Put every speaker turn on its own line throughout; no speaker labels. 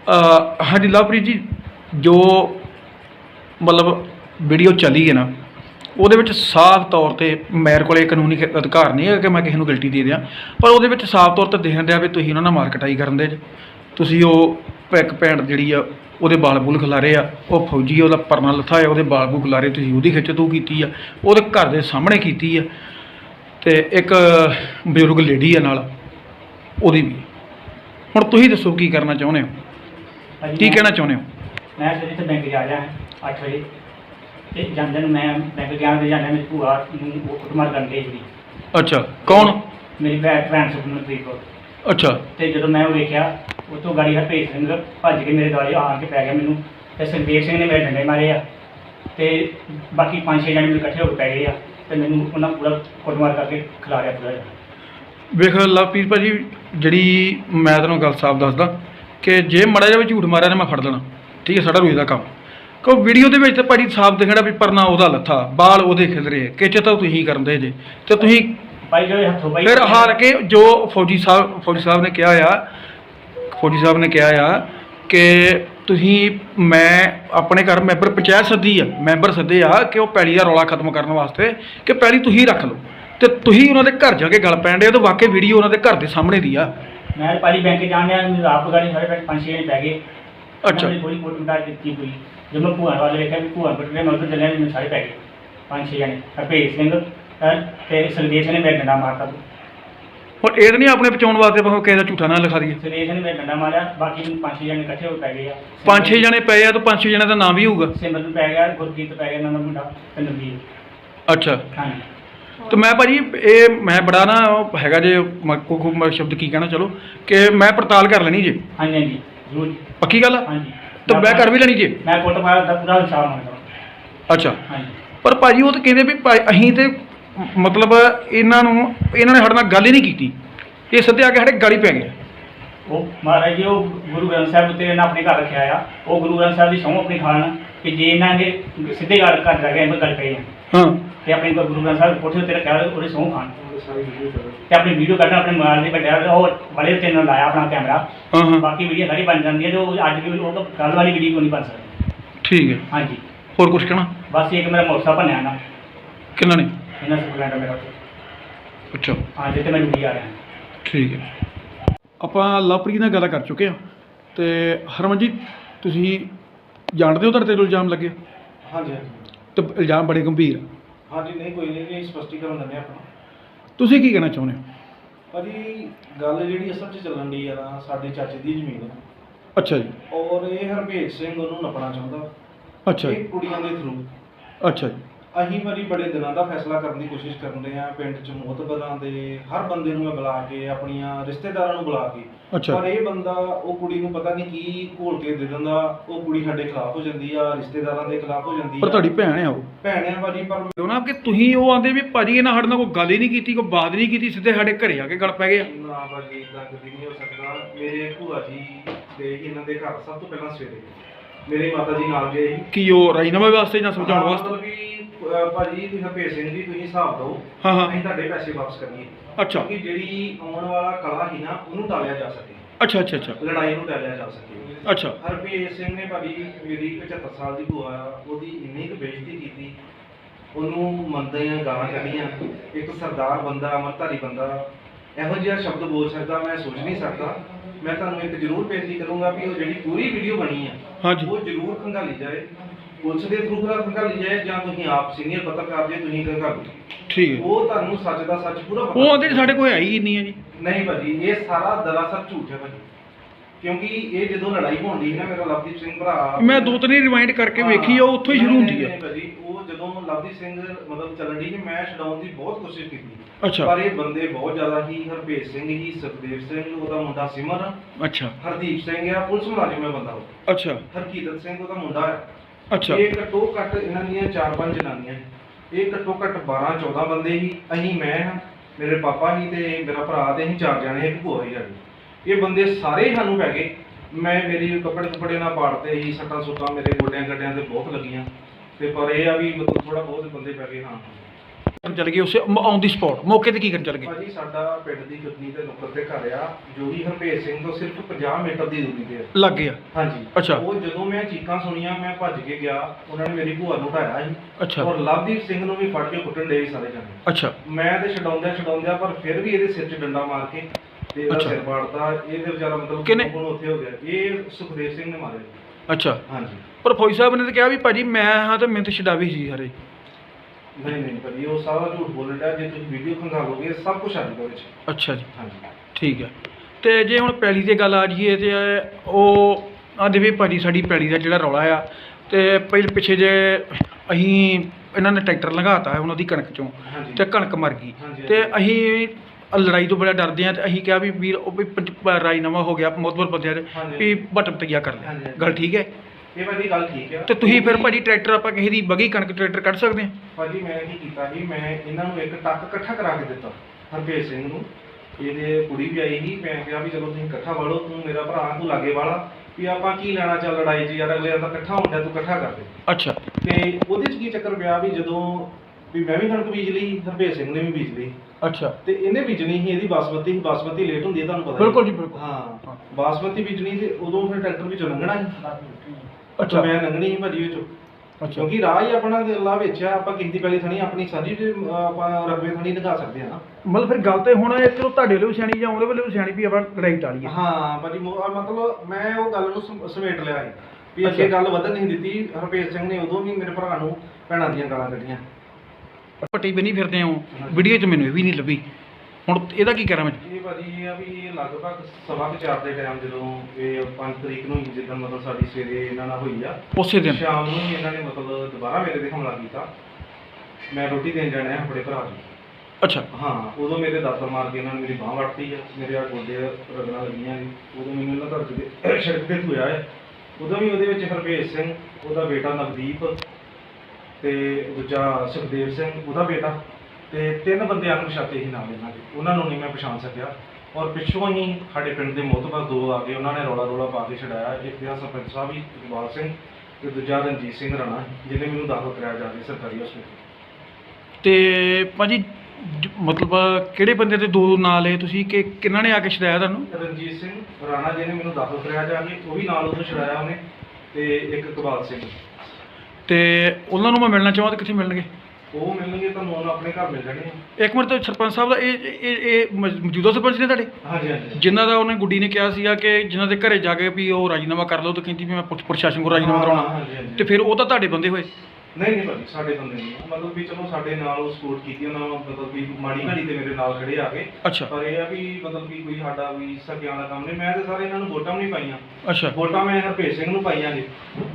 हाँ जी लवप्रीत जी, जो मतलब वीडियो चली है ना, ਉਹਦੇ ਵਿੱਚ ਸਾਫ਼ ਤੌਰ ਤੇ ਮੇਰੇ ਕੋਲੇ ਕਾਨੂੰਨੀ ਅਧਿਕਾਰ ਨਹੀਂ ਹੈ ਕਿ ਮੈਂ ਕਿਸੇ ਨੂੰ ਗਿਲਟੀ ਦੇ ਦਿਆਂ, ਪਰ ਉਹਦੇ ਵਿੱਚ ਸਾਫ਼ ਤੌਰ ਤੇ ਦਿਖਣ ਦਿਆ ਵੀ ਤੁਸੀਂ ਉਹਨਾਂ ਨਾਲ ਮਾਰਕਟਾਈ ਕਰਨ ਦੇ ਜੇ। ਤੁਸੀਂ ਉਹ ਇੱਕ ਭੈਣ ਜਿਹੜੀ ਆ ਉਹਦੇ ਬਾਲ ਬੂਲ ਖਿਲਾਰੇ ਆ, ਉਹ ਫੌਜੀ ਉਹਦਾ ਪਰਨਾ ਲੱਥਾ ਹੈ, ਉਹਦੇ ਬਾਲ ਬੂਲ ਖਿਲਾਰੇ ਤੁਸੀਂ ਉਹਦੀ ਖਿੱਚ-ਤੂ ਕੀਤੀ ਆ, ਉਹਦੇ ਘਰ ਦੇ ਸਾਹਮਣੇ ਕੀਤੀ ਆ, ਤੇ ਇੱਕ ਬਜ਼ੁਰਗ ਲੇਡੀ ਆ ਨਾਲ ਉਹਦੀ ਵੀ। ਹੁਣ ਤੁਸੀਂ ਦੱਸੋ ਕੀ ਕਰਨਾ ਚਾਹੁੰਦੇ ਹੋ, ਕੀ ਕਹਿਣਾ ਚਾਹੁੰਦੇ ਹੋ?
मैं सर इतने बैंक जा रहा है 8 बजे तो जाते मैं बैंक गया जाने मेरी भूआ कुटमार कर गई जी।
अच्छा, कौन?
मेरी भैन सुखमनप्रीत कौर।
अच्छा,
तो जो मैं वेख्या उस तो गाड़ी हरभेज सिंह भज के मेरे दुआले आके पै गया मैनू, तो सुखदेव सिंह ने मेरे डंडे मारे आ, तो बाकी 5-6 जने मेरे इकट्ठे होकर पै गए आ, तो मैनू उन्होंने पूरा कुटमार करके खिलारिया पूरा।
ਵੇਖ ਲਵਪ੍ਰੀਤ ਭਾਜੀ, ਜਿਹੜੀ ਮੈਂ ਤੈਨੂੰ ਗੱਲ ਸਾਫ਼ ਦੱਸਦਾ ਕਿ ਜੇ ਮਾੜਾ ਜਿਹਾ ਵੀ ਝੂਠ ਮਾਰਿਆ ਤਾਂ ਮੈਂ ਫੜ ਲੈਣਾ, ਠੀਕ ਹੈ? ਸਾਡਾ ਰੋਜ਼ ਦਾ ਕੰਮ। ਕਿਉਂ ਵੀਡੀਓ ਦੇ ਵਿੱਚ ਤਾਂ ਭਾਜੀ ਸਾਫ਼ ਦਿਖਣਾ ਵੀ ਪਰਨਾ ਉਹਦਾ ਲੱਥਾ, ਬਾਲ ਉਹਦੇ ਖਿਲਰੇ, ਕਿਚ ਤਾਂ ਤੁਸੀਂ ਕਰਦੇ ਜੇ, ਤੇ ਤੁਸੀਂ
ਭਾਈ ਜੋ ਹੱਥੋਂ ਭਾਈ
ਫਿਰ ਹਾਰ ਕੇ ਜੋ ਫੌਜੀ ਸਾਹਿਬ ਨੇ ਕਿਹਾ ਆ ਕਿ ਤੁਸੀਂ ਮੈਂ ਆਪਣੇ ਘਰ ਮੈਂਬਰ ਪੰਚਾਇਤ ਸੱਦੀ ਆ, ਮੈਂਬਰ ਸੱਦੇ ਆ ਕਿ ਉਹ ਪੈਲੀ ਦਾ ਰੌਲਾ ਖਤਮ ਕਰਨ ਵਾਸਤੇ ਕਿ ਪੈਲੀ ਤੁਸੀਂ ਰੱਖ ਲਓ, ਤੇ ਤੁਸੀਂ ਉਹਨਾਂ ਦੇ ਘਰ ਜਾ ਕੇ ਗੱਲ ਪੈਣ ਦੇ। ਤਾਂ ਵਾਕਈ ਵੀਡੀਓ ਉਹਨਾਂ ਦੇ ਘਰ ਦੇ ਸਾਹਮਣੇ ਦੀ ਆ।
मैं पाली बैंक जाने मेरे आप गाड़ी सारे बैंक 5-6 जने पै गए।
अच्छा,
थोड़ी कोट मिटार की हुई जब मैं भूआ वाले देखा भी भूआ बटने मैं उधर चलिया मेरे सारे पै गए 5-6 जने। हरभेज सिंह ते सुखदेव ने मेरा डंडा मारता।
ਹੁਣ ਇਹ ਤਾਂ ਨਹੀਂ ਆਪਣੇ ਬਚਾਉਣ ਵਾਸਤੇ ਆਪਾਂ ਕਿਸੇ ਦਾ ਝੂਠਾ ਨਾ ਲਿਖਾ ਦਈਏ।
सुखदेव ने मेरा डंडा मारा, बाकी 5-6 जने इकट्ठे होकर पै गए।
5-6 ਜਣੇ ਪਏ ਆ ਤਾਂ 5-6 ਜਣੇ ਦਾ ਨਾਮ ਵੀ ਹੋਊਗਾ।
सिमरन पै गया, गुरकीत पै गया, नाना मुंडा ते नवीर।
ਅੱਛਾ,
हाँ
ਤੇ ਮੈਂ ਭਾਜੀ ਇਹ ਮੈਂ ਬੜਾ ਨਾ ਉਹ ਹੈਗਾ ਜੇ ਕੋਈ ਸ਼ਬਦ ਕੀ ਕਹਿਣਾ, ਚਲੋ ਕਿ ਮੈਂ ਪੜਤਾਲ ਕਰ ਲੈਣੀ ਜੇ।
हाँ जी, हाँ जी जरूर।
ਪੱਕੀ ਗੱਲ ਆ?
हाँ जी,
ਤੇ ਮੈਂ ਕਰ ਵੀ ਲੈਣੀ ਜੇ।
मैं कोट मार दा पूरा हिसाब मांगदा।
ਅੱਛਾ,
हाँ जी,
ਪਰ ਭਾਜੀ ਉਹ ਤਾਂ ਕਹਿੰਦੇ ਵੀ ਅਸੀਂ ਤੇ ਮਤਲਬ ਇਹਨਾਂ ਨੇ ਸਾਡੇ ਨਾਲ ਗੱਲ ਹੀ ਨਹੀਂ ਕੀਤੀ, ਇਹ ਸਿੱਧੇ ਆ ਕੇ ਸਾਡੇ ਗਾਲੀ ਪੈ ਗਏ।
वो महाराज जी वो गुरु ग्रंथ साहब उत्ते इन्हें अपने घर रखा आ, वो गुरु ग्रंथ साहब की सौं अपनी खान कि जे इन्होंने सीधे घर जा के गल पे
ਹਾਂ,
ते अपने गुरु ग्रंथ साहब कोठे उत्ते रखा वो सौं खान ते अपनी वीडियो कढ़ना अपने मोबाइल से बड़ा और बड़े चैनल लाया अपना कैमरा।
ਹਾਂ ਹਾਂ,
बाकी वीडियो सारी बन जाती है, जो अज भी वो कल वाली वीडियो को नहीं बन सकती।
ਠੀਕ ਹੈ।
हाँ जी,
ਹੋਰ ਕੁਛ ਕਹਿਣਾ?
बस एक मेरा मोटरसाइकिल बनया ना
ਕਿੰਨਾ ਨੇ?
इन्हें स्प्लेंडर मेरा।
ਅੱਛਾ,
हाँ जी, तो मैं ड्यूटी आ रहा है।
ਠੀਕ ਹੈ। ਆਪਾਂ ਲਵਪ੍ਰੀਤ ਨਾਲ ਗੱਲ ਕਰ ਚੁੱਕੇ ਹਾਂ, ਤੇ ਹਰਮਨ ਜੀ ਤੁਸੀਂ ਜਾਣਦੇ ਹੋ ਤੁਹਾਡੇ 'ਤੇ ਇਲਜ਼ਾਮ ਲੱਗੇ?
हाँ जी, हाँ जी,
ਤੇ ਇਲਜ਼ਾਮ ਬੜੇ ਗੰਭੀਰ ਆ,
हाँ जी, नहीं कोई नहीं स्पष्टीकरण दिंदे अपना।
ਤੁਸੀਂ ਕੀ ਕਹਿਣਾ ਚਾਹੁੰਦੇ ਹੋ?
भाजी गल जी असल 'ਚ ਚੱਲਣ ਦੀ ਆ ਨਾ, ਸਾਡੇ ਚਾਚੇ ਦੀ ਜ਼ਮੀਨ ਹੈ
ਅੱਛਾ ਜੀ,
ਔਰ ਇਹ ਹਰਭੇਜ ਸਿੰਘ ਉਹਨੂੰ ਨੱਪਣਾ ਚਾਹੁੰਦਾ
ਅੱਛਾ ਜੀ,
ਇਹ ਕੁੜੀਆਂ ਦੇ ਥਰੂ।
ਅੱਛਾ ਜੀ,
ਅਸੀਂ ਵਾਰੀ ਬੜੇ ਦਿਨਾਂ ਦਾ ਫੈਸਲਾ ਕਰਨ ਦੀ ਕੋਸ਼ਿਸ਼ ਕਰਨ ਰਹੇ ਆ, ਪਿੰਡ 'ਚ ਮੋਹਤਬਰਾਂ ਦੇ ਹਰ ਬੰਦੇ ਨੂੰ ਮੈਂ ਬੁਲਾ ਕੇ, ਆਪਣੀਆਂ ਰਿਸ਼ਤੇਦਾਰਾਂ ਨੂੰ ਬੁਲਾ ਕੇ,
ਅੱਛਾ,
ਪਰ ਇਹ ਬੰਦਾ ਉਹ ਕੁੜੀ ਨੂੰ ਪਤਾ ਨਹੀਂ ਕੀ ਘੋਲ ਕੇ ਦੇ ਦਿੰਦਾ, ਉਹ ਕੁੜੀ ਸਾਡੇ ਖਿਲਾਫ ਹੋ ਜਾਂਦੀ ਆ, ਰਿਸ਼ਤੇਦਾਰਾਂ ਦੇ ਖਿਲਾਫ ਹੋ ਜਾਂਦੀ
ਪਰ
ਆ।
ਤੁਹਾਡੀ ਭੈਣ ਆ ਉਹ
ਭੈਣ ਆ ਭਾਜੀ, ਪਰ
ਨਾ ਕਿ ਤੁਸੀਂ ਉਹ ਆਂਦੇ ਵੀ ਭਾਜੀ ਇਹਨਾਂ ਸਾਡੇ ਨਾਲ ਕੋਈ ਗੱਲ ਹੀ ਨਹੀਂ ਕੀਤੀ, ਕੋਈ ਬਾਤ ਨਹੀਂ ਕੀਤੀ, ਸਿੱਧੇ ਸਾਡੇ ਘਰੇ ਆ ਕੇ ਗੱਲ ਪੈ ਗਏ ਆ।
ਨਾ ਭਾਜੀ ਇਦਾਂ ਕਦੀ ਨਹੀਂ ਹੋ ਸਕਦਾ। ਮੇਰੇ ਭੂਆ ਜੀ ਤੇ ਇਹਨਾਂ ਦੇ ਘਰ ਸਭ ਤੋਂ ਪਹਿਲਾਂ ਸਵੇਰੇ ਮੇਰੇ ਮਾਤਾ ਜੀ ਨਾਲ ਗਏ ਸੀ।
ਕੀ ਉਹ ਰਾਜੀਨਾਮੇ ਵਾਸਤੇ ਜਾਂ ਸਮਝਾਉਣ ਵਾਸਤੇ?
ਮਤਲਬ ਵੀ ਭਾਜੀ ਤੁਸੀਂ ਹਰਭੇਜ ਸਿੰਘ ਜੀ ਤੁਸੀਂ ਹਿਸਾਬ ਦਿਓ,
ਹਾਂ ਹਾਂ,
ਅਸੀਂ ਤੁਹਾਡੇ ਪੈਸੇ ਵਾਪਸ ਕਰੀਏ,
ਅੱਛਾ
ਕਿਉਂਕਿ ਜਿਹੜੀ ਆਉਣ ਵਾਲਾ ਕਲਾ ਸੀ ਨਾ ਉਹਨੂੰ ਟਾਲਿਆ ਜਾ ਸਕੇ,
ਅੱਛਾ ਅੱਛਾ ਅੱਛਾ
ਲੜਾਈ ਨੂੰ ਟਾਲਿਆ ਜਾ ਸਕੇ।
ਅੱਛਾ,
ਹਰਭੇਜ ਸਿੰਘ ਨੇ ਭਾਜੀ ਮੇਰੀ 75 ਸਾਲ ਦੀ ਭੂਆ ਉਹਦੀ ਇੰਨੀ ਕੁ ਬੇਇੱਜ਼ਤੀ ਕੀਤੀ, ਉਹਨੂੰ ਮੰਦੀਆਂ ਗਾਲਾਂ ਕੱਢੀਆਂ। ਇੱਕ ਸਰਦਾਰ ਬੰਦਾ, ਅਮਰਧਾਰੀ ਬੰਦਾ ਇਹੋ ਜਿਹਾ ਸ਼ਬਦ ਬੋਲ ਸਕਦਾ ਮੈਂ ਸੋਚ ਨਹੀਂ ਸਕਦਾ। ਮੈਂ ਤੁਹਾਨੂੰ ਇੱਕ ਜ਼ਰੂਰ ਬੇਨਤੀ ਕਰੂੰਗਾ ਵੀ ਉਹ ਜਿਹੜੀ ਪੂਰੀ ਵੀਡੀਓ ਬਣੀ ਆ
ਹਾਂਜੀ,
ਉਹ ਜ਼ਰੂਰ ਖੰਗਾਲੀ ਜਾਏ, ਪੁਲਿਸ ਦੇ ਥਰੂ ਖੰਗਾਲੀ ਜਾਏ, ਜਾਂ ਤੁਸੀਂ ਆਪ ਸੀਨੀਅਰ ਪੱਤਰਕਾਰ ਜੇ ਤੁਸੀਂ ਖੰਗਾਲੋ,
ਠੀਕ ਹੈ।
ਉਹ ਤੁਹਾਨੂੰ ਸੱਚ ਦਾ ਸੱਚ ਪੂਰਾ ਪਤਾ।
ਉਹ ਆਂਦੇ ਸਾਡੇ ਕੋਲ ਹੈ ਹੀ ਨਹੀਂ ਹੈ ਜੀ।
ਨਹੀਂ ਭਾਜੀ, ਇਹ ਸਾਰਾ ਦਰਅਸਲ ਝੂਠ ਹੈ ਭਾਜੀ, ਕਿਉਂਕਿ ਇਹ ਜਦੋਂ ਲੜਾਈ ਹੋਣੀ ਸੀ ਨਾ, ਮੇਰਾ ਲਵਦੀਪ ਸਿੰਘ ਭਰਾ,
ਮੈਂ ਦੋ ਤਿੰਨ ਰਿਵਾਈਂਡ ਕਰਕੇ ਵੇਖੀ ਆ, ਉਹ ਉੱਥੋਂ ਹੀ ਸ਼ੁਰੂ ਹੁੰਦੀ ਆ।
ਨਹੀਂ ਭਾਜੀ, ਉਹ ਜਦੋਂ ਲਵਦੀਪ ਸਿੰਘ ਮਤਲਬ ਚੱਲਣ ਦੀ ਮੈਂ ਛਡਾਉਣ ਦੀ ਬਹੁਤ ਕੋਸ਼ਿਸ਼ ਕੀਤੀ,
ਅੱਛਾ,
ਪਰ ਇਹ ਬੰਦੇ ਬਹੁਤ ਜ਼ਿਆਦਾ ਹੀ, ਹਰਭੇਜ ਸਿੰਘ ਹੀ, ਸੁਖਦੇਵ ਸਿੰਘ, ਉਹਦਾ ਮੁੰਡਾ ਸਿਮਰ,
ਅੱਛਾ
ਹਰਦੀਪ ਸਿੰਘ ਆ ਪੁਲਿਸ ਮੁਲਾਜ਼ਮ ਹੈ ਬੰਦਾ ਉਹ,
ਅੱਛਾ
ਹਰਕੀਰਤ ਸਿੰਘ ਉਹਦਾ ਮੁੰਡਾ ਹੈ।
ਅੱਛਾ,
ਇਹ ਘੱਟੋ ਘੱਟ ਇਹਨਾਂ ਦੀਆਂ 4-5 ਜਨਾਨੀਆਂ, ਇਹ ਘੱਟੋ ਘੱਟ 12-14 ਬੰਦੇ ਹੀ। ਅਸੀਂ ਮੈਂ ਹਾਂ, ਮੇਰੇ ਪਾਪਾ ਹੀ ਤੇ ਮੇਰਾ ਭਰਾ, ਤੇ ਅਸੀਂ 4 ਜਣੇ, ਇੱਕ ਭੂਆ ਹੀ ਸਾਡੀ। ਇਹ ਬੰਦੇ ਸਾਰੇ ਸਾਨੂੰ ਪੈ ਗਏ। ਮੇਰੀ ਕੱਪੜੇ ਨਾਲ ਪਾੜਤੇ ਹੀ, ਸੱਟਾਂ ਸੁੱਟਾਂ ਮੇਰੇ ਗੋਡਿਆਂ ਗੱਡਿਆਂ ਤੇ ਬਹੁਤ ਲੱਗੀਆਂ, ਤੇ ਪਰ ਇਹ ਆ ਵੀ ਮਤਲਬ ਥੋੜਾ ਬਹੁਤ ਬੰਦੇ ਪੈ ਗਏ। ਹਾਂ।
ਚੱਲ ਗਏ ਉਸੇ ਔਨ ਦੀ ਸਪੌਟ ਮੌਕੇ ਤੇ ਕੀ ਕਰਨ ਚੱਲ ਗਏ?
ਭਾਜੀ ਸਾਡਾ ਪਿੰਡ ਦੀ ਗੁਰਨੀ ਦੇ ਨੁੱਕਰ ਤੇ ਘਰ ਆ, ਜੋ ਵੀ ਹਰਪੇਸ਼ ਸਿੰਘ ਤੋਂ ਸਿਰਫ 50 ਮੀਟਰ ਦੀ ਦੂਰੀ ਤੇ ਆ।
ਲੱਗ ਗਿਆ।
ਹਾਂਜੀ।
ਅੱਛਾ।
ਉਹ ਜਦੋਂ ਮੈਂ ਚੀਕਾਂ ਸੁਣੀਆਂ ਮੈਂ ਭੱਜ ਕੇ ਗਿਆ, ਉਹਨਾਂ ਨੇ ਮੇਰੀ ਭੂਆ ਨੂੰ ਉਠਾਇਆ ਸੀ
ਅੱਛਾ।
ਔਰ ਲਵਦੀਪ ਸਿੰਘ ਨੂੰ ਵੀ ਫੜ ਕੇ ਕੁੱਟਣ ਡਏ ਸੀ ਸਾਰੇ ਜਣੇ।
ਅੱਛਾ।
ਮੈਂ ਤੇ ਛਡਾਉਂਦਿਆਂ ਪਰ ਫਿਰ ਵੀ ਇਹਦੇ ਸਿਰ 'ਚ ਡੰਡਾ ਮਾਰ ਕੇ ਤੇ ਇਹਦਾ
ਅੱਛਾ।
ਸਿਰ ਪਾੜਤਾ। ਇਹਦੇ ਵਿਚਾਰਾ ਮਤਲਬ
ਕਿਹਨੇ?
ਹੁਣ ਉੱਥੇ ਹੋ ਗਿਆ। ਇਹ ਸੁਖਦੇਵ ਸਿੰਘ ਨੇ ਮਾਰਿਆ ਜੀ।
ਅੱਛਾ।
ਹਾਂਜੀ।
ਪਰ ਫੌਜੀ ਸਾਹਿਬ ਨੇ ਤਾਂ ਕਿਹਾ ਵੀ ਭਾਜੀ ਮੈਂ ਹਾਂ ਤੇ ਮੈਨੂੰ ਤਾਂ ਛਡਾਵੀ ਸੀ ਸਾਰੇ।
ਨਹੀਂ ਭਾਜੀ, ਉਹ ਸਾਰਾ ਝੂਠ ਬੋਲਣ ਡਿਆ। ਜੇ ਤੁਸੀਂ ਵੀਡੀਓ ਖੰਗਾਲੋਗੇ ਸਭ ਕੁਝ ਆ ਜਾਊਗਾ ਵਿੱਚ।
ਅੱਛਾ ਜੀ।
ਹਾਂਜੀ।
ਠੀਕ ਹੈ। ਤੇ ਜੇ ਹੁਣ ਪੈਲੀ ਤੇ ਗੱਲ ਆ ਜਾਈਏ ਤੇ ਉਹ ਆਂਦੇ ਵੀ ਭਾਜੀ ਸਾਡੀ ਪੈਲੀ ਦਾ ਜਿਹੜਾ ਰੌਲਾ ਆ ਤੇ ਪਹਿਲੇ ਪਿੱਛੇ ਜੇ ਅਸੀਂ ਇਹਨਾਂ ਨੇ ਟਰੈਕਟਰ ਲੰਘਾਤਾ ਹੈ ਉਹਨਾਂ ਦੀ ਕਣਕ ਚੋਂ
ਹਾਂਜੀ।
ਤੇ ਕਣਕ ਮਰ ਗਈ
ਹਾਂਜੀ।
ਤੇ ਅਸੀਂ ਲੜਾਈ ਤੋਂ ਬੜਾ ਡਰਦੇ ਆ ਤੇ ਅਸੀਂ ਕਿਹਾ ਵੀ ਵੀਰ ਉਹ ਵੀ ਰਾਜੀਨਾਮਾ ਹੋ ਗਿਆ ਮੋਤਬਰ ਬੰਦਿਆਂ ਦੇ
ਹਾਂਜੀ।
ਵੀ ਬਟਨ ਤਈਆ ਕਰ ਲਿਆ।
ਹਾਂਜੀ।
ਗੱਲ ਠੀਕ ਹੈ।
ਇਹ ਭਾਜੀ ਗੱਲ ਠੀਕ ਆ।
ਤੇ ਤੁਸੀਂ ਫਿਰ ਭਾਜੀ ਟਰੈਕਟਰ ਆਪਾਂ ਕਿਸੇ ਦੀ ਬਗੀ ਕਣਕ ਟਰੈਕਟਰ ਕੱਢ ਸਕਦੇ ਹਾਂ?
ਭਾਜੀ ਮੈਂ ਕੀ ਕੀਤਾ ਸੀ, ਮੈਂ ਇਹਨਾਂ ਨੂੰ ਇੱਕ ਟੱਕ ਇਕੱਠਾ ਕਰਾ ਕੇ ਦਿੱਤਾ ਹਰਪੇਸ਼ ਸਿੰਘ ਨੂੰ। ਇਹਦੇ ਕੁੜੀ ਵੀ ਆਈ ਸੀ। ਮੈਂ ਕਿਹਾ ਵੀ ਚਲੋ ਤੁਸੀਂ ਇਕੱਠਾ ਵਾਲੋ, ਤੂੰ ਮੇਰਾ ਭਰਾ ਤੂੰ ਲਾਗੇ ਵਾਲਾ ਵੀ ਆਪਾਂ ਕੀ ਲੈਣਾ ਚੱਲ ਲੜਾਈ 'ਚ ਯਾਰ, ਅਗਲੇ ਦਾ ਇਕੱਠਾ ਹੁੰਦਾ ਤੂੰ ਇਕੱਠਾ ਕਰ ਦੇ।
ਅੱਛਾ।
ਤੇ ਉਹਦੇ 'ਚ ਕੀ ਚੱਕਰ ਪਿਆ ਵੀ ਜਦੋਂ ਵੀ ਮੈਂ ਵੀ ਕਣਕ ਬੀਜ ਲਈ, ਹਰਪੇਸ਼ ਸਿੰਘ ਨੇ ਵੀ ਬੀਜ ਲਈ
ਅੱਛਾ।
ਤੇ ਇਹਨੇ ਬੀਜਣੀ ਸੀ, ਇਹਦੀ ਬਾਸਮਤੀ ਲੇਟ ਹੁੰਦੀ ਹੈ ਤੁਹਾਨੂੰ ਪਤਾ ਹੀ।
ਬਿਲਕੁਲ ਜੀ ਬਿਲਕੁਲ।
ਹਾਂ, ਬਾਸਮਤੀ ਬੀਜਣੀ ਤੇ ਉਦੋਂ ਫਿਰ ਟਰੈਕਟਰ ਵਿੱਚੋਂ ਲੰਘਣਾ ਸੀ।
ਅੱਛਾ।
ਮੈਂ ਲੰਘਣੀ ਸੀ ਭਾਜੀ ਵਿੱਚੋਂ।
ਅੱਛਾ।
ਕਿਉਂਕਿ ਰਾਹ ਹੀ ਆਪਣਾ ਲਾ ਵਿੱਚ ਆ, ਆਪਾਂ ਕਿਸੇ ਦੀ ਪਹਿਲੀ ਥਣੀ ਆਪਣੀ ਸਾਂਝੀ ਤੇ ਆਪਾਂ ਰਕਬੇ ਥਣੀ ਲਗਾ ਸਕਦੇ ਹਾਂ ਨਾ।
ਮਤਲਬ ਫਿਰ ਗੱਲ ਤੇ ਹੁਣ ਇਹ ਚਲੋ ਤੁਹਾਡੇ ਵੱਲੋਂ ਵੀ ਸਿਆਣੀ ਜਾਂ ਉਹਦੇ ਵੱਲੋਂ ਵੀ ਸਿਆਣੀ ਵੀ ਆਪਾਂ ਲੜਾਈ ਟਾਲੀਏ।
ਹਾਂ ਭਾਜੀ, ਮਤਲਬ ਮੈਂ ਉਹ ਗੱਲ ਨੂੰ ਸਮੇਟ ਲਿਆ ਸੀ ਵੀ ਅੱਗੇ ਗੱਲ ਵਧਣ ਨਹੀਂ ਦਿੱਤੀ। ਹਰਪੇਸ਼ ਸਿੰਘ ਨੇ ਉਦੋਂ ਵੀ ਮੇਰੇ ਭਰਾ ਨੂੰ ਭੈਣਾਂ ਦੀਆਂ ਗਾਲਾਂ ਕੱਢੀਆਂ।
ਪੱਟੀ ਬਣੀ ਫਿਰਦੇ ਹੋ ਵੀਡੀਓ 'ਚ ਮੈਨੂੰ ਇਹ ਵੀ ਨਹੀਂ ਲੱਭੀ। ਹੁਣ ਇਹਦਾ ਕੀ ਕਰਾਂ ਮੈਂ?
ਇਹ ਭਾਜੀ ਇਹ ਆ ਵੀ ਇਹ ਲਗਭਗ 4:15 ਦੇ ਟਾਈਮ ਜਦੋਂ ਇਹ 5 ਤਰੀਕ ਨੂੰ ਜਿੱਦਾਂ ਮਤਲਬ ਸਾਡੀ ਸਵੇਰੇ ਇਹਨਾਂ ਨਾਲ ਹੋਈ ਆ,
ਉਸੇ ਦਿਨ
ਸ਼ਾਮ ਨੂੰ ਹੀ ਇਹਨਾਂ ਨੇ ਮਤਲਬ ਦੁਬਾਰਾ ਮੇਰੇ ਤੇ ਹਮਲਾ ਕੀਤਾ। ਮੈਂ ਰੋਟੀ ਦੇਣ ਜਾਣਾ ਹੈ ਆਪਣੇ ਭਰਾ ਨੂੰ।
ਅੱਛਾ।
ਹਾਂ, ਉਦੋਂ ਮੇਰੇ ਦਾਤਰ ਮਾਰ ਕੇ ਇਹਨਾਂ ਨੇ ਮੇਰੀ ਬਾਂਹ ਵੱਟਤੀ ਆ, ਮੇਰੇ ਆ ਗੋਡੇ ਰਗੜਾਂ ਲੱਗੀਆਂ ਜੀ। ਉਦੋਂ ਮੈਨੂੰ ਇਹਨਾਂ ਧਰਤੀ ਦੇ ਸੜਕ ਤੇ ਧੋਇਆ ਹੈ। ਉਦੋਂ ਵੀ ਉਹਦੇ ਵਿੱਚ ਹਰਪੇਸ਼ ਸਿੰਘ, ਉਹਦਾ ਬੇਟਾ ਨਵਦੀਪ ਤੇ ਦੂਜਾ ਸੁਖਦੇਵ ਸਿੰਘ ਉਹਦਾ ਬੇਟਾ ਤੇ 3 ਬੰਦੇ ਅਣਪਛਾਤੇ ਸੀ ਨਾਲ ਇਹਨਾਂ ਦੇ। ਉਹਨਾਂ ਨੂੰ ਨਹੀਂ ਮੈਂ ਪਛਾਣ ਸਕਿਆ। ਔਰ ਪਿੱਛੋਂ ਹੀ ਸਾਡੇ ਪਿੰਡ ਦੇ ਮੋਤਬਰ 2 ਆ ਕੇ ਉਹਨਾਂ ਨੇ ਰੌਲਾ ਪਾ ਕੇ ਛਡਾਇਆ। ਇੱਕ ਦਾ ਸਰਪੰਚ ਸਾਹਿਬ ਹੀ ਇਕਬਾਲ ਸਿੰਘ ਤੇ ਦੂਜਾ ਰਣਜੀਤ ਸਿੰਘ ਰਾਣਾ, ਜਿਹਨੇ ਮੈਨੂੰ ਦਾਖਲ ਕਰਾਇਆ ਜਾ ਕੇ ਸਰਕਾਰੀ ਹਸਪਤਾਲ।
ਤੇ ਭਾਜੀ ਮਤਲਬ ਕਿਹੜੇ ਬੰਦੇ ਦੇ 2 ਨਾਂ ਲਏ ਤੁਸੀਂ ਕਿ ਕਿਹਨਾਂ ਨੇ ਆ ਕੇ ਛਡਾਇਆ ਤੁਹਾਨੂੰ?
ਰਣਜੀਤ ਸਿੰਘ ਰਾਣਾ ਜਿਹਨੇ ਮੈਨੂੰ ਦਾਖਲ ਕਰਾਇਆ ਜਾ ਕੇ, ਉਹ ਵੀ ਨਾਲ ਉਹਨੂੰ ਛਡਾਇਆ ਉਹਨੇ, ਤੇ ਇੱਕ ਇਕਬਾਲ ਸਿੰਘ।
ਤੇ ਉਹਨਾਂ ਨੂੰ ਮੈਂ ਮਿਲਣਾ ਚਾਹਾਂ ਤਾਂ ਕਿੱਥੇ ਮਿਲਣਗੇ?
ਉਹ ਮਿਲਣਗੇ ਤੁਹਾਨੂੰ, ਉਹਨੂੰ ਆਪਣੇ ਘਰ ਮਿਲ ਜਾਣੇ ਆ।
ਇੱਕ ਮਿੰਟ, ਤਾਂ ਸਰਪੰਚ ਸਾਹਿਬ ਦਾ ਇਹ ਮੌਜੂਦਾ ਸਰਪੰਚ ਨੇ ਤੁਹਾਡੇ
ਹਾਂਜੀ ਹਾਂਜੀ।
ਜਿਨ੍ਹਾਂ ਦਾ ਉਹਨੇ ਗੁੱਡੀ ਨੇ ਕਿਹਾ ਸੀਗਾ ਕਿ ਜਿਨ੍ਹਾਂ ਦੇ ਘਰੇ ਜਾ ਕੇ ਵੀ ਉਹ ਰਾਜੀਨਾਮਾ ਕਰ ਲਓ, ਤਾਂ ਕਹਿੰਦੀ ਵੀ ਮੈਂ ਪ੍ਰਸ਼ਾਸਨ ਕੋਲ ਰਾਜੀਨਾਮਾ ਕਰਾਉਣਾ।
ਹਾਂਜੀ ਹਾਂਜੀ।
ਤੇ ਫਿਰ ਉਹ ਤਾਂ ਤੁਹਾਡੇ ਬੰਦੇ ਹੋਏ?
ਨਹੀਂ ਭਾਜੀ, ਸਾਡੇ ਬੰਦੇ ਨਹੀਂ। ਮਤਲਬ ਵੀ ਚਲੋ ਸਾਡੇ ਨਾਲ ਉਹ ਸਪੋਰਟ ਕੀਤੀ ਉਹਨਾਂ ਨੂੰ, ਮਤਲਬ ਵੀ ਮਾੜੀ ਘੜੀ ਤੇ ਮੇਰੇ ਨਾਲ ਖੜੇ ਆ ਕੇ।
ਅੱਛਾ।
ਪਰ ਇਹ ਆ ਵੀ ਮਤਲਬ ਵੀ ਕੋਈ ਸਾਡਾ ਵੀ ਸਕਿਆਂ ਦਾ ਕੰਮ ਨਹੀਂ। ਮੈਂ ਤੇ ਸਾਰੇ ਇਹਨਾਂ ਨੂੰ ਵੋਟਾਂ ਵੀ ਨਹੀਂ ਪਾਈਆਂ।
ਅੱਛਾ।
ਵੋਟਾਂ ਮੈਂ ਹਰਪੇਸ਼ ਸਿੰਘ ਨੂੰ ਪਾਈਆਂ ਜੀ।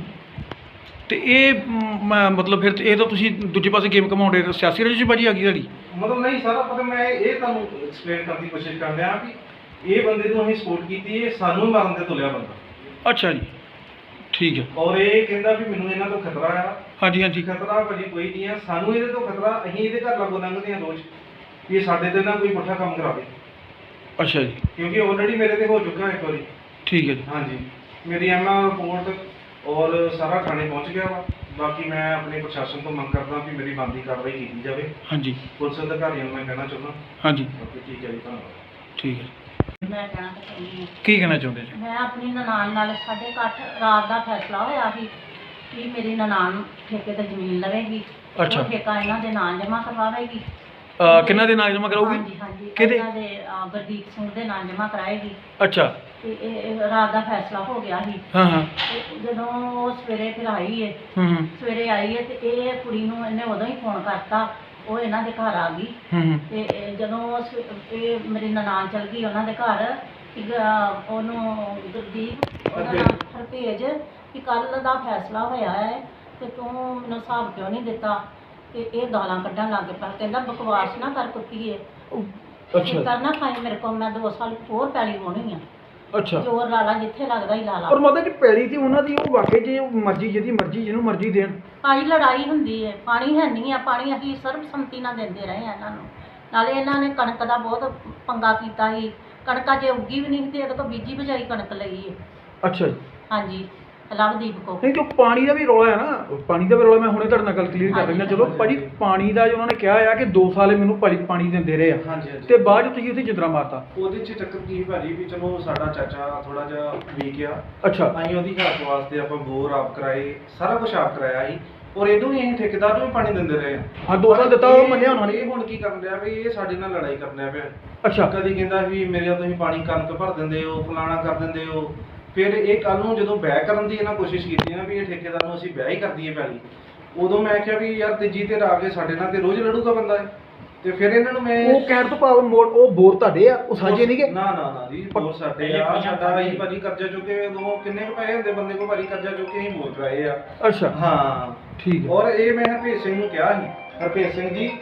ਤੇ ਇਹ ਮਤਲਬ ਫਿਰ ਇਹ ਤਾਂ ਤੁਸੀਂ ਦੂਜੇ ਪਾਸੇ ਗੇਮ ਘਮਾਉਂਦੇ, ਸਿਆਸੀ ਰਜਿਸਟਰਬਾਜੀ ਆ ਗਈ ਤੁਹਾਡੀ?
ਮਤਲਬ ਨਹੀਂ ਸਾਰਾ ਪਤਾ, ਮੈਂ ਇਹ ਤੁਹਾਨੂੰ ਐਕਸਪਲੇਨ ਕਰਨ ਦੀ ਕੋਸ਼ਿਸ਼ ਕਰ ਰਿਹਾ ਵੀ ਇਹ ਬੰਦੇ ਨੂੰ ਅਸੀਂ ਸਪੋਰਟ ਕੀਤੀ, ਇਹ ਸਾਨੂੰ ਹੀ ਮਾਰਨ ਤੇ ਤੁਲਿਆ ਬੰਦਾ।
ਅੱਛਾ ਜੀ, ਠੀਕ ਹੈ।
ਔਰ ਇਹ ਕਹਿੰਦਾ ਵੀ ਮੈਨੂੰ ਇਹਨਾਂ ਤੋਂ ਖਤਰਾ ਆ।
ਹਾਂਜੀ ਹਾਂਜੀ।
ਖਤਰਾ ਭਾਜੀ ਕੋਈ ਨਹੀਂ ਆ, ਸਾਨੂੰ ਇਹਦੇ ਤੋਂ ਖਤਰਾ। ਅਸੀਂ ਇਹਦੇ ਘਰ ਲਾਗੋਂ ਲੰਘਦੇ ਹਾਂ ਰੋਜ਼ ਕਿ ਇਹ ਸਾਡੇ ਤੇ ਨਾ ਕੋਈ ਪੁੱਠਾ ਕੰਮ ਕਰਾਵੇ।
ਅੱਛਾ ਜੀ,
ਕਿਉਂਕਿ ਆਲਰੇਡੀ ਮੇਰੇ ਤੇ ਹੋ ਚੁੱਕਾ ਇੱਕ ਵਾਰੀ।
ਠੀਕ ਹੈ ਜੀ।
ਹਾਂਜੀ, ਮੇਰੀ ਐਮਐਲ ਰਿਪੋਰਟ ਔਰ ਸਾਰਾ ਥਾਣੇ ਪਹੁੰਚ ਗਿਆ ਵਾ। ਬਾਕੀ ਮੈਂ ਆਪਣੇ ਪ੍ਰਸ਼ਾਸਨ ਤੋਂ ਮੰਗ ਕਰਦਾ ਵੀ ਮੇਰੀ ਬਣਦੀ ਕਾਰਵਾਈ ਕੀਤੀ ਜਾਵੇ।
ਹਾਂਜੀ।
ਪੁਲਿਸ ਅਧਿਕਾਰੀਆਂ ਨੂੰ ਮੈਂ ਕਹਿਣਾ ਚਾਹੁੰਦਾ।
ਹਾਂਜੀ,
ਬਾਕੀ ਠੀਕ ਹੈ ਜੀ, ਧੰਨਵਾਦ।
ਠੀਕ ਹੈ।
ਮੈਂ ਕਹਿਣਾ ਤਾਂ ਚਾਹੁੰਦੀ ਹਾਂ,
ਕੀ ਕਹਿਣਾ ਚਾਹੁੰਦੇ ਜੀ?
ਮੈਂ ਆਪਣੀ ਨਨਾਣ ਨਾਲ 8:30 ਰਾਤ ਦਾ ਫੈਸਲਾ ਹੋਇਆ ਸੀ ਕਿ ਮੇਰੀ ਨਨਾਣ ਠੇਕੇ ਤੇ ਜ਼ਮੀਨ ਲਵੇਗੀ।
ਅੱਛਾ।
ਉਹ ਠੇਕਾ ਇਹਨਾਂ ਦੇ ਨਾਂ ਜਮ੍ਹਾਂ ਕਰਵਾਵੇਗੀ।
ਕਿਹਨਾਂ ਦੇ ਨਾਂ ਜਮ੍ਹਾਂ ਕਰਾਉਗੀ?
ਹਾਂਜੀ ਹਾਂਜੀ,
ਕਿਹਦੇ?
ਇਹਨਾਂ ਦੇ ਗੁਰਦੀਪ ਸਿੰਘ ਦੇ ਨਾਂ ਜਮ੍ਹਾਂ ਕਰਾਏਗੀ।
ਅੱਛਾ।
ਤੇ ਇਹ ਰਾਤ ਦਾ ਫੈਸਲਾ ਹੋ ਗਿਆ ਸੀ।
ਹਾਂ ਹਾਂ।
ਤੇ ਜਦੋਂ ਉਹ ਸਵੇਰੇ ਫਿਰ ਆਈ ਹੈ,
ਹੂੰ
ਸਵੇਰੇ ਆਈ ਹੈ ਤੇ ਇਹ ਕੁੜੀ ਨੂੰ ਇਹਨੇ ਉਦੋਂ ਹੀ ਫੋਨ ਕਰਤਾ। ਉਹ ਇਹਨਾਂ ਦੇ ਘਰ ਆ ਗਈ
ਹੂੰ।
ਤੇ ਜਦੋਂ ਇਹ ਮੇਰੀ ਨਨਾਣ ਚਲ ਗਈ ਉਹਨਾਂ ਦੇ ਘਰ, ਉਹਨੂੰ ਗੁਰਦੀਪ ਉਹਦਾ ਨਾਮ ਹਰਪੇਜ ਕਿ ਕੱਲ ਦਾ ਫੈਸਲਾ ਹੋਇਆ ਹੈ ਤੇ ਤੂੰ ਮੈਨੂੰ ਹਿਸਾਬ ਕਿਉਂ ਨਹੀਂ ਦਿੱਤਾ। ਤੇ ਇਹ ਗਾਲਾਂ ਕੱਢਣ ਲੱਗ ਪਿਆ, ਕਹਿੰਦਾ ਬਕਵਾਸ ਨਾ ਕਰ ਕੁੱਤੀਏ,
ਅੱਛਾ।
ਕਰਨਾ ਖਾਈ ਮੇਰੇ ਕੋਲ, ਮੈਂ 2 ਸਾਲ ਹੋਰ ਪੈਲੀ ਹੋਣੀ ਆ।
ਅੱਛਾ।
ਜ਼ੋਰ ਲਾ ਲਾ ਜਿੱਥੇ ਲੱਗਦਾ ਹੀ ਲਾ ਲਾ।
ਪਰ ਮਤਲਬ ਕਿ ਪੈਲੀ ਤੇ ਉਹਨਾਂ ਦੀ ਉਹ ਵਾਕਈ ਜੇ ਮਰਜ਼ੀ ਜਿਹਦੀ ਮਰਜ਼ੀ ਜਿਹਨੂੰ ਮਰਜ਼ੀ ਦੇਣ।
ਭਾਈ ਲੜਾਈ ਹੁੰਦੀ ਹੈ, ਪਾਣੀ ਹੈ ਨਹੀਂ ਆ। ਪਾਣੀ ਅਸੀਂ ਸਰਬਸੰਮਤੀ ਨਾਲ ਦਿੰਦੇ ਰਹੇ ਆ ਇਹਨਾਂ ਨੂੰ। ਨਾਲੇ ਇਹਨਾਂ ਨੇ ਕਣਕ ਦਾ ਬਹੁਤ ਪੰਗਾ ਕੀਤਾ ਸੀ। ਕਣਕਾਂ ਜੇ ਉੱਗੀ ਵੀ ਨਹੀਂ ਤੇ ਇਹਦੇ ਤੋਂ ਬੀਜੀ ਬਜਾਈ ਕਣਕ ਲਈ ਹੈ।
ਅੱਛਾ ਜੀ।
ਹਾਂਜੀ, ਲਵਦੀਪ ਕੋ।
ਨਹੀਂ ਜੋ ਪਾਣੀ ਦਾ ਵੀ ਰੌਲਾ ਹੈ ਨਾ, ਪਾਣੀ ਦਾ ਵੀ ਰੌਲਾ ਮੈਂ ਹੁਣੇ ਤੁਹਾਡੇ ਨਾਲ ਗੱਲ ਕਲੀਅਰ ਕਰ ਲੈਂਦਾ। ਚਲੋ ਭਾਜੀ ਪਾਣੀ ਦਾ ਜੋ ਉਹਨਾਂ ਨੇ ਕਿਹਾ ਆ ਕਿ 2 ਸਾਲ ਇਹ ਮੈਨੂੰ ਪਾਣੀ ਦਿੰਦੇ ਰਹੇ ਆ,
ਹਾਂਜੀ ਹਾਂਜੀ।
ਤੇ ਬਾਅਦ 'ਚ ਤੁਸੀਂ ਉੱਥੇ ਜਿੰਦਰਾ ਮਾਰਤਾ।
ਉਹਦੇ 'ਚ ਚੱਕਰ ਕੀ ਭਾਜੀ ਵੀ ਚਲੋ ਸਾਡਾ ਚਾਚਾ ਥੋੜਾ ਜਿਹਾ ਵੀਕ ਆ,
ਅੱਛਾ
ਅਸੀਂ ਉਹਦੀ ਹੈਲਪ ਵਾਸਤੇ ਆਪਾਂ ਬੋਰ ਆਪ ਕਰਾਏ, ਸਾਰਾ ਕੁਝ ਆਪ ਕਰਾਇਆ ਸੀ, ਔਰ ਇਹਨੂੰ ਵੀ ਅਸੀਂ ਠੇਕੇਦਾਰ ਨੂੰ ਵੀ ਪਾਣੀ ਦਿੰਦੇ ਰਹੇ ਆ।
ਹਾਂ 2 ਸਾਲ ਦਿੱਤਾ, ਉਹ ਮੰਨਿਆ ਉਹਨਾਂ ਨੇ।
ਇਹ ਹੁਣ ਕੀ ਕਰਨ ਡਿਆ ਵੀ ਇਹ ਸਾਡੇ ਨਾਲ ਲੜਾਈ ਕਰਨ ਡਿਆ ਪਿਆ।
ਅੱਛਾ
ਕਦੀ ਕਹਿੰਦਾ ਵੀ ਮੇਰੇ ਤੁਸੀਂ ਪਾਣੀ ਕਣਕ ਭਰ ਦਿੰਦੇ ਹੋ, ਫਲਾਣਾ ਕਰ ਦਿੰਦੇ ਹੋ। ਫਿਰ ਇਹ ਕੱਲ ਨੂੰ ਜਦੋਂ ਬਹਿ ਕਰਨ ਦੀ ਇਹਨਾਂ ਕੋਸ਼ਿਸ਼ ਕੀਤੀ ਨਾ ਵੀ ਇਹ ਠੇਕੇਦਾਰ ਨੂੰ ਅਸੀਂ ਬਹਿ ਹੀ ਕਰ ਦਈਏ ਪਹਿਲੀ, ਉਦੋਂ ਮੈਂ ਕਿਹਾ ਵੀ ਯਾਰ ਤੀਜੀ ਧਿਰ ਆ ਕੇ ਸਾਡੇ ਨਾਲ ਤੇ ਰੋਜ਼ ਲੜੂਗਾ ਬੰਦਾ ਇਹ। ਤੇ ਫਿਰ ਇਹਨਾਂ ਨੂੰ ਮੈਂ
ਉਹ ਕਹਿਣ ਤੋਂ ਭਾਵ ਮੋੜ ਉਹ ਬੋਰ ਤੁਹਾਡੇ ਆ, ਉਹ ਸਾਂਝੇ ਨਹੀਂਗੇ?
ਨਾ ਨਾ ਨਾ ਜੀ, ਬੋਰ ਸਾਡੇ ਆ, ਸਾਡਾ ਹੀ ਭਾਜੀ ਕਰਜ਼ਾ ਚੁੱਕੇ ਉਦੋਂ ਕਿੰਨੇ ਕੁ ਪੈਸੇ ਹੁੰਦੇ ਬੰਦੇ ਕੋਲ ਭਾਜੀ, ਕਰਜ਼ਾ ਚੁੱਕੇ ਅਸੀਂ ਬੋਰ ਕਰਾਏ ਆ।
ਅੱਛਾ
ਹਾਂ
ਠੀਕ ਹੈ।
ਔਰ ਇਹ ਮੈਂ ਹਰਪ੍ਰੀਤ ਸਿੰਘ ਨੂੰ ਕਿਹਾ ਸੀ, ਹਰਪ੍ਰੀਤ ਸਿੰਘ ਜੀ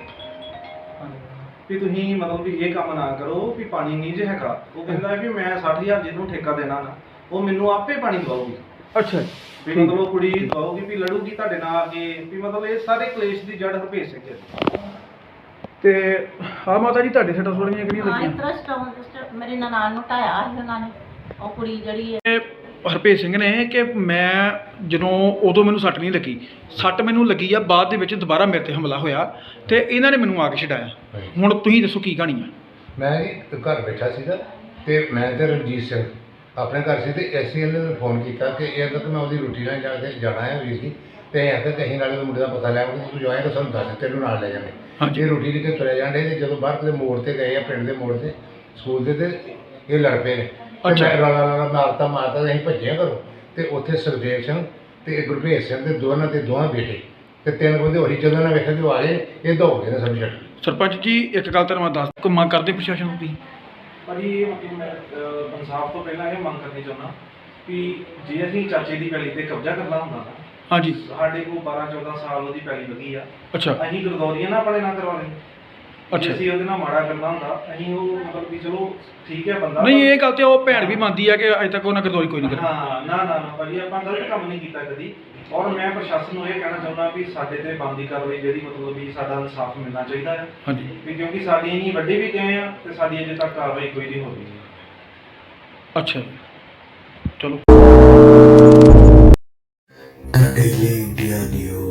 ਵੀ ਤੁਸੀਂ ਮਤਲਬ ਵੀ ਇਹ ਕੰਮ ਨਾ ਕਰੋ ਵੀ ਪਾਣੀ ਨਹੀਂ ਜੇ ਹੈਗਾ। ਉਹ ਕਹਿੰਦਾ ਵੀ ਮੈਂ 60,000 ਜਿਹਨੂੰ ਠੇਕਾ ਦੇਣਾ ਨਾ ਉਹ ਮੈਨੂੰ ਆਪੇ ਪਾਣੀ ਦਵਾਉਗੀ।
ਅੱਛਾ
ਵੀ ਮਤਲਬ ਉਹ ਕੁੜੀ ਦਵਾਉਗੀ ਵੀ ਲੜੂਗੀ ਤੁਹਾਡੇ ਨਾਲ ਆ ਕੇ, ਵੀ ਮਤਲਬ ਇਹ ਸਾਰੇ ਕਲੇਸ਼ ਦੀ ਜੜ ਹਰਪ੍ਰੀਤ ਸਿੰਘ ਹੈ।
ਤੇ ਹਾਂ ਮਾਤਾ ਜੀ ਤੁਹਾਡੇ ਸੱਟਾਂ ਥੋੜੀਆਂ ਕਿਹੜੀਆਂ
ਹਾਂ
ਲੱਗੀਆਂ?
ਇਸ ਤਰ੍ਹਾਂ ਸਟੋਨ ਮੇਰੀ ਨਨਾਣ ਨੂੰ ਢਾਇਆ ਸੀ ਉਹਨਾਂ ਨੇ, ਉਹ ਕੁੜੀ ਜਿਹੜੀ ਹੈ।
ਹਰਪ੍ਰੀਤ ਸਿੰਘ ਨੇ ਕਿ ਮੈਂ ਜਦੋਂ ਉਦੋਂ ਮੈਨੂੰ ਸੱਟ ਨਹੀਂ ਲੱਗੀ, ਸੱਟ ਮੈਨੂੰ ਲੱਗੀ ਆ ਬਾਅਦ ਦੇ ਵਿੱਚ ਦੁਬਾਰਾ ਮੇਰੇ ਤੇ ਹਮਲਾ ਹੋਇਆ ਤੇ ਇਹਨਾਂ ਨੇ ਮੈਨੂੰ ਆ ਕੇ ਛਡਾਇਆ। ਹੁਣ ਤੁਸੀਂ ਦੱਸੋ ਕੀ ਕਹਾਣੀ ਆ?
ਮੈਂ ਜੀ ਘਰ ਬੈਠਾ ਸੀਗਾ ਤੇ ਮੈਂ ਤੇ ਰਣਜੀਤ ਸਿੰਘ ਆਪਣੇ ਘਰ ਸੀ ਤੇ ਐਸਐਲ ਨੇ ਫੋਨ ਕੀਤਾ ਕਿ ਇਹ ਤੱਕ ਮੈਂ ਉਹਦੀ ਰੋਟੀ ਲੈਣ ਜਾਣਾ ਹੈ ਵੀਰ ਜੀ, ਤੇ ਇਹ ਆਖਿਆ ਕਿ ਅਸੀਂ ਨਾਲੇ ਮੁੰਡੇ ਦਾ ਪਤਾ ਲਿਆਵਾਂਗੇ, ਤੂੰ ਜੋ ਆਏਗਾ ਸਾਨੂੰ ਦੱਸ, ਤੈਨੂੰ ਨਾਲ ਲੈ ਜਾਵਾਂਗੇ।
ਹਾਂਜੀ।
ਇਹ ਰੋਟੀ ਲੈ ਕੇ ਤੁਰੇ ਜਾਂਦੇ ਤੇ ਜਦੋਂ ਬਾਹਰ ਕਿਤੇ ਮੋੜ ਤੇ ਗਏ ਆ, ਪਿੰਡ ਦੇ ਮੋੜ ਤੇ ਸਕੂਲ ਦੇ, ਤੇ ਇਹ ਲੜ ਪਏ ਨੇ।
ਅੱਛਾ।
ਮੈਂ ਰੌਲਾ ਮਾਰਤਾ ਅਸੀਂ ਭੱਜੇ ਘਰੋਂ, ਤੇ ਉੱਥੇ ਸੁਖਦੇਵ ਸਿੰਘ ਤੇ ਗੁਰਭੇਜ ਸਿੰਘ ਦੇ ਦੋਵਾਂ ਬੇਟੇ ਤੇ 3 ਬੰਦੇ ਹੋਰੀ, ਜਦੋਂ ਨਾ ਵੇਖਿਆ ਕਿ ਉਹ ਆ ਗਏ, ਇਹ ਦੌੜ ਗਏ ਨੇ ਸਭ ਛੱਡ।
ਸਰਪੰਚ ਜੀ ਇੱਕ ਗੱਲ ਤੁਹਾਨੂੰ ਮੈਂ ਦੱਸ, ਕੋਈ ਮੰਗ ਕਰਦੇ ਪ੍ਰਸ਼ਾਸਨ ਨੂੰ ਤੁਸੀਂ?
ਭਾਜੀ ਇਹ ਮਤਲਬ ਮੈਂ ਇਨਸਾਫ ਤੋਂ ਪਹਿਲਾਂ ਇਹ ਮੰਗ ਕਰਨੀ ਚਾਹੁੰਦਾ ਵੀ ਜੇ ਅਸੀਂ ਚਾਚੇ ਦੀ ਪੈਲੀ ਤੇ ਕਬਜ਼ਾ ਕਰਨਾ ਹੁੰਦਾ ਨਾ,
ਹਾਂਜੀ
ਸਾਡੇ ਕੋਲ 12-14 ਸਾਲ ਉਹਦੀ ਪੈਲੀ ਲੱਗੀ ਆ,
ਅੱਛਾ
ਅਸੀਂ ਗਰਦੌਰੀਆਂ ਨਾ ਆਪਣੇ ਨਾਲ ਕਰਵਾ ਲਈ।
ਅੱਛਾ।
ਅਸੀਂ ਉਹਦੇ ਨਾਲ ਮਾੜਾ ਕਰਨਾ ਹੁੰਦਾ, ਅਸੀਂ ਉਹ ਮਤਲਬ ਵੀ ਚਲੋ ਠੀਕ ਹੈ ਬੰਦਾ।
ਨਹੀਂ ਇਹ ਗੱਲ ਤੇ ਉਹ ਭੈਣ ਵੀ ਮੰਨਦੀ ਆ ਕਿ ਅਜੇ ਤੱਕ ਉਹਨਾਂ ਗਰਦੋਰੀ ਕੋਈ ਨਹੀਂ ਕਰੀ।
ਹਾਂ ਨਾ ਨਾ ਨਾ ਭਾਜੀ, ਆਪਾਂ ਗਲਤ ਕੰਮ ਨਹੀਂ ਕੀਤਾ ਕਦੀ। ਔਰ ਮੈਂ ਪ੍ਰਸ਼ਾਸਨ ਨੂੰ ਇਹ ਕਹਿਣਾ ਚਾਹੁੰਦਾ ਵੀ ਸਾਡੇ ਤੇ ਬਣਦੀ ਕਾਰਵਾਈ ਜਿਹੜੀ ਮਤਲਬ ਵੀ ਸਾਡਾ ਇਨਸਾਫ ਮਿਲਣਾ ਚਾਹੀਦਾ ਹੈ।
ਹਾਂਜੀ
ਵੀ ਕਿਉਂਕਿ ਸਾਡੀ ਇੰਨੀ ਵੱਡੇ ਵੀ ਗਏ ਆ ਤੇ ਸਾਡੀ ਅਜੇ ਤੱਕ ਕਾਰਵਾਈ ਕੋਈ ਨਹੀਂ ਹੋ ਰਹੀ।
ਅੱਛਾ ਚਲੋ।
The Daily India News.